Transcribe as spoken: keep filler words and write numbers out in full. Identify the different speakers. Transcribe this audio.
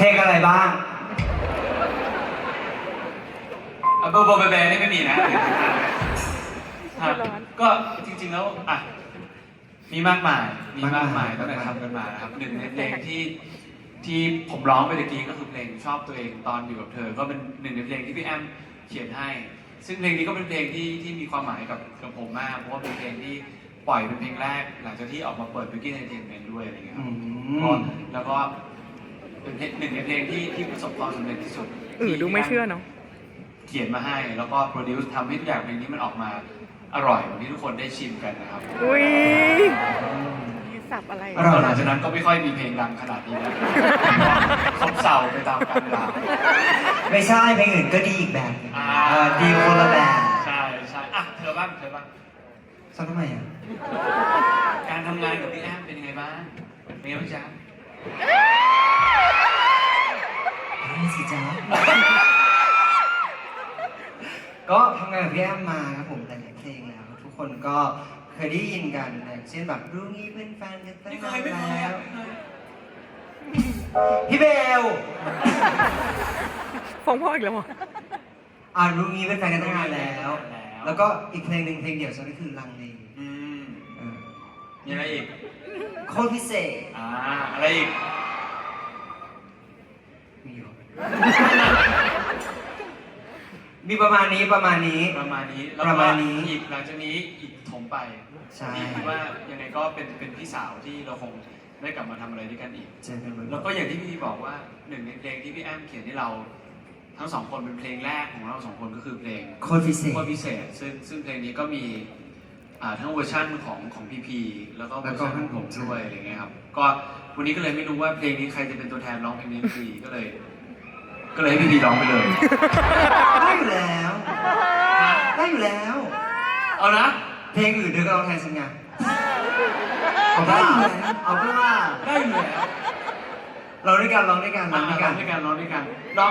Speaker 1: เพลงอะไรบ้าง
Speaker 2: อ่ะโบโบแบแบนี่ไม่มีนะครับก็จริงๆแล้วอ่ะมีมากมายมีมากมายตั้งแต่ทำกันมานะครับหนึ่งในเพลงที่ที่ผมร้องไปตะกี้ก็คือเพลงชอบตัวเองตอนอยู่กับเธอก็เป็นหนึ่งในเพลงที่พี่แอมเขียนให้ซึ่งเพลงนี้ก็เป็นเพลงที่ที่มีความหมายกับกับผมมากเพราะว่าเป็นเพลงที่ปล่อยเป็นเพลงแรกหลังจากที่ออกมาเปิด Biggie Entertainment ด้วยอะไรเงี้ยครับแล้วก็เป็นหนึ่งในเพลงที่ที่ประสบความสำเร็จที่สุด
Speaker 3: เออดูไม่เชื่อเนาะ
Speaker 2: เขียนมาให้แล้วก็โปรดิวซ์ทำให้ทุกอย่างเพลงนี้มันออกมาอร่อยเหมือนที่ทุกคนได้ชิมกันนะครับ
Speaker 3: อุ้ยสับอะไร
Speaker 2: หลังจากนั้นก็ไม่ค่อยมีเพลงดังขนาดนี้แล้วซบเซาไปตามกาลเวลา
Speaker 1: ไม่ใช่เพลงอื่นก็ดีอีกแบบดีคนละแบบ
Speaker 2: ใช่ใช่อ่ะเธอบ้างเธอบ้าง
Speaker 1: ซ้อมทำไมอ่ะ
Speaker 2: การทำงานกับพี่แอมเป็นยังไงบ้างเป็นยังไงบ้างจ๊ะ
Speaker 1: นี่สิจ๊ะก็ทำงานกับพี่แอมมาครับผมแต่หลายเพลงแล้วทุกคนก็เคยได้ยินกันอย่างเช่นแบบรู้งี้เป็นแฟนกันตั้งนานแล้วพี่เบล
Speaker 3: ฟ้องพ่ออีกแล้ว
Speaker 1: อ่ารู้งี้เป็นแฟนกันตั้งนานแล้วแล้วก็อีกเพลงหนึ่งเพลงเดี่ยวฉันก็คือลังเล
Speaker 2: อืมมีอะไรอีก
Speaker 1: โคตรพิเศษ
Speaker 2: อ่าอะไรอีก
Speaker 1: มีอยู่มีประมาณนี้ประมาณนี้
Speaker 2: ประมาณนี้
Speaker 1: ประมาณนี้
Speaker 2: อีกหลังจากนี้อีกถมไป
Speaker 1: ใช่
Speaker 2: คิดว่ายังไงก็เป็นเป็นพี่สาวที่เราคงได้กลับมาทำอะไรด้วยกันอีก
Speaker 1: ใช่ครับ
Speaker 2: แล้วก็อย่างที่พี่บอกว่าหนึ่งในเพลงที่พี่แอมเขียนให้เราทั้งสองคนเป็นเพลงแรกของเราสองคนก็คือเพลง
Speaker 1: โคตรพิเศษ
Speaker 2: โคตรพิเศษซึ่งซึ่งเพลงนี้ก็มีอ่าทั้งเวอร์ชันของของพีพีแล้วก็เวอร์ชันของผมด้วยอะไรเงี้ยครับก็วันนี้ก็เลยไม่รู้ว่าเพลงนี้ใครจะเป็นตัวแทนร้องเพลงนี้พีก็เลยก็เลยให้พี่พีร้องไปเลย
Speaker 1: ได้อยู่แล้วได้อยู่แล้ว
Speaker 2: เอานะ
Speaker 1: เพลงอื่นเธอก็ร้องแทนฉันไงเอาได้อยู่แล้วเอาก็ว่า
Speaker 2: ได้อยู่แล้ว
Speaker 1: ร้องด้วยกันร้องด้วยกัน
Speaker 2: ร้องด้วยกันร้องด้วยกัน